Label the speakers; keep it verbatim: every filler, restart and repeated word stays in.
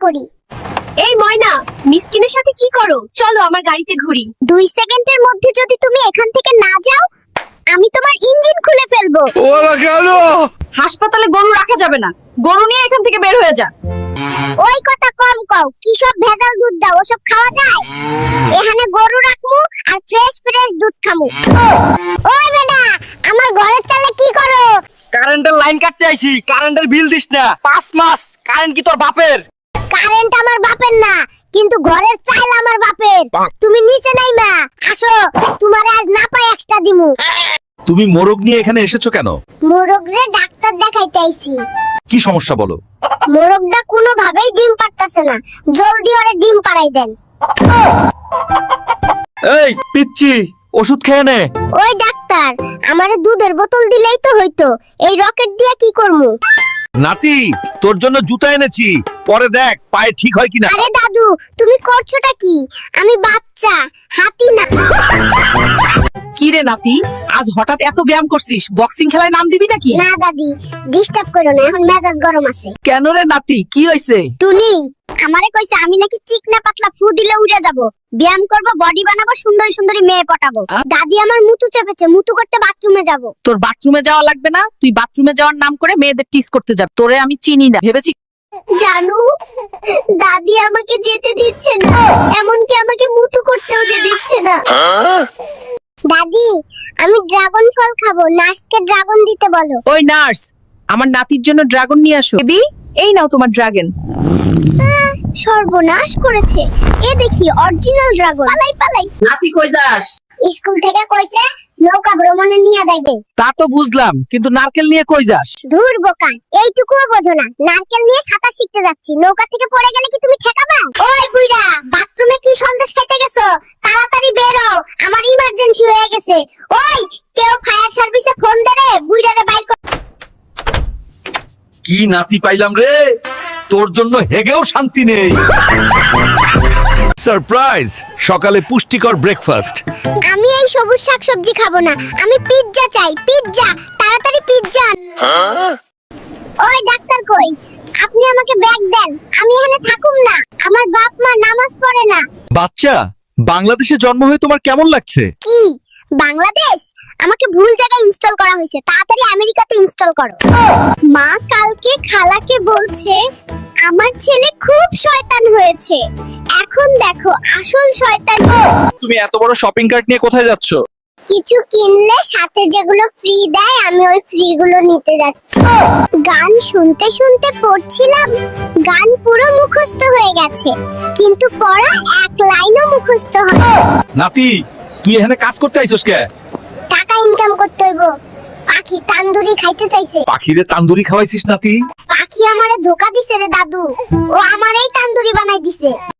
Speaker 1: করি।
Speaker 2: এই ময়না, মিসকিনের সাথে কি করো? চলো আমার গাড়িতে ঘুরি।
Speaker 1: দুই সেকেন্ডের মধ্যে যদি তুমি এখান থেকে না যাও, আমি তোমার ইঞ্জিন খুলে ফেলবো।
Speaker 3: ওরা কেন?
Speaker 2: হাসপাতালে গরু রাখা যাবে না, গরু নিয়ে এখান থেকে বের হয়ে যা।
Speaker 1: ওই কথা কম কও, কি সব ভেজাল দুধ দাও, ওসব খাওয়া যায়? এখানে গরু রাখমু আর ফ্রেশ ফ্রেশ দুধ খামু। ওই বেটা, আমার ঘরের চালে কি করো?
Speaker 3: কারেন্টের লাইন কাটতে আইছি, কারেন্টের বিল দিস না। পাঁচ মাস কারেন্ট কি তোর বাপের?
Speaker 1: কারেন্ট আমার বাপের না, কিন্তু ঘরের চাল আমার বাপের। তুমি নিচে নাইবা, আসো, তোমারে আজ না পাই এক্সট্রা দিমু।
Speaker 4: তুমি মোরগ নিয়ে এখানে এসেছো কেন?
Speaker 1: মোরগরে ডাক্তার দেখাইতে আইছি।
Speaker 4: কি সমস্যা বলো?
Speaker 1: মোরগটা কোনোভাবেই ডিম পারতাছে না, জলদি ওরে ডিম পাড়াই দেন।
Speaker 4: এই পিচ্চি, ওষুধ খেয়ে নে।
Speaker 1: ওই ডাক্তার, আমারে দুধের বোতল দিলেই তো হইতো, এই রকেট দিয়া কি করমু?
Speaker 4: নাতি, তোর জন্য জুতা এনেছি, পরে দেখ পায়ে ঠিক হয় কিনা।
Speaker 1: আরে দাদু, তুমি করছোটা কি? আমি বাচ্চা, হাতি না।
Speaker 5: কি রে নাতি, আজ হঠাৎ এত ব্যায়াম করছিস? বক্সিং খেলায় নাম দিবি নাকি?
Speaker 1: না দাদি, ডিস্টার্ব করো না, এখন মেজাজ গরম আছে।
Speaker 5: কেন রে নাতি, কি হইছে?
Speaker 1: টুনি আমারে কইছে আমি নাকি চিকনা পাতলা ফু দিলে উড়ে যাব, ব্যায়াম করব, বডি বানাবো, সুন্দরী সুন্দরী মেয়ে পটাবো। দাদি আমার মুতু চেপেছে, মুতু করতে বাথরুমে যাব।
Speaker 5: তোর বাথরুমে যাওয়া লাগবে না, তুই বাথরুমে যাওয়ার নাম করে মেয়েদের টিস করতে যাবি। তোরে আমি চিনি না ভেবেছি।
Speaker 1: জানু, দাদি আমাকে যেতে দিচ্ছে না, এমনকি আমাকে মুতু করতেও যে দিচ্ছে না। দাদি, আমি ড্রাগন ফল খাবো, নার্সকে ড্রাগন দিতে বলো।
Speaker 5: ওই নার্স, আমার নাতির জন্য ড্রাগন নিয়ে আসো। বেবি, এই নাও তোমার ড্রাগন।
Speaker 1: সর্বনাশ করেছে, এ দেখি অরিজিনাল ড্রাগন। পালাই পালাই।
Speaker 5: নাতি কই যাস?
Speaker 1: স্কুল থেকে কইছে নৌকা ভ্রমণে নিয়ে যাইবে।
Speaker 5: তা তো বুঝলাম, কিন্তু নারকেল নিয়ে কই যাস?
Speaker 1: ধুর বোকা, এইটুকুও বোঝো না? নারকেল নিয়ে সাঁতার শিখতে যাচ্ছি, নৌকা থেকে পড়ে গেলে কি তুমি ঠেকাবা? ওই বুইড়া, বাথরুমে কি সন্দেশ খাইতে গেছো? তাড়াতাড়ি বের হও, আমার ইমার্জেন্সি হয়ে গেছে। ওই, কেউ ফায়ার সার্ভিসে ফোন দে রে, বুইড়ারে বাইর কর।
Speaker 4: কি নাতি পাইলাম রে, তোর জন্য হেগেও শান্তি নেই। সারপ্রাইজ, সকালে পুষ্টিকর ব্রেকফাস্ট।
Speaker 1: আমি এই সবুজ শাকসবজি খাবো না, আমি পিৎজা চাই, পিৎজা, তাড়াতাড়ি পিৎজা। ওই ডাক্তার কই? আপনি আমাকে ব্যাগ দেন, আমি এখানে থাকুম না, আমার বাপ মা নামাজ পড়ে না।
Speaker 4: বাচ্চা, বাংলাদেশে জন্ম হয়ে তোমার কেমন লাগছে?
Speaker 1: কি বাংলাদেশ? আমাকে ভুল জায়গায় ইনস্টল করা হয়েছে, তাড়াতাড়ি আমেরিকাতে ইনস্টল করো। মা কালকে খালাকে বলছে আমার ছেলে খুব শয়তান হয়েছে, এখন দেখো আসল শয়তান।
Speaker 4: তুমি এত বড় শপিং কার্ট নিয়ে কোথায় যাচ্ছ?
Speaker 1: কিছু কিনলে সাথে যেগুলো ফ্রি দেয়, আমি ওই ফ্রি গুলো নিতে যাচ্ছি। গান শুনতে শুনতে পড়ছিলাম, গান পুরো মুখস্থ হয়ে গেছে, কিন্তু পড়া এক লাইনও মুখস্থ হয়।
Speaker 4: নাতি, তুই এখানে কাজ করতে আইছস কে?
Speaker 1: টাকা ইনকাম করতে হইব। পাখি তান্দুরি খাইতে চাইছে।
Speaker 4: পাখিরে তান্দুরি খাওয়াইছিস নাতি?
Speaker 1: পাখি আমারে ধোকা দিছে রে দাদু, ও আমারই তান্দুরি বানাই দিছে।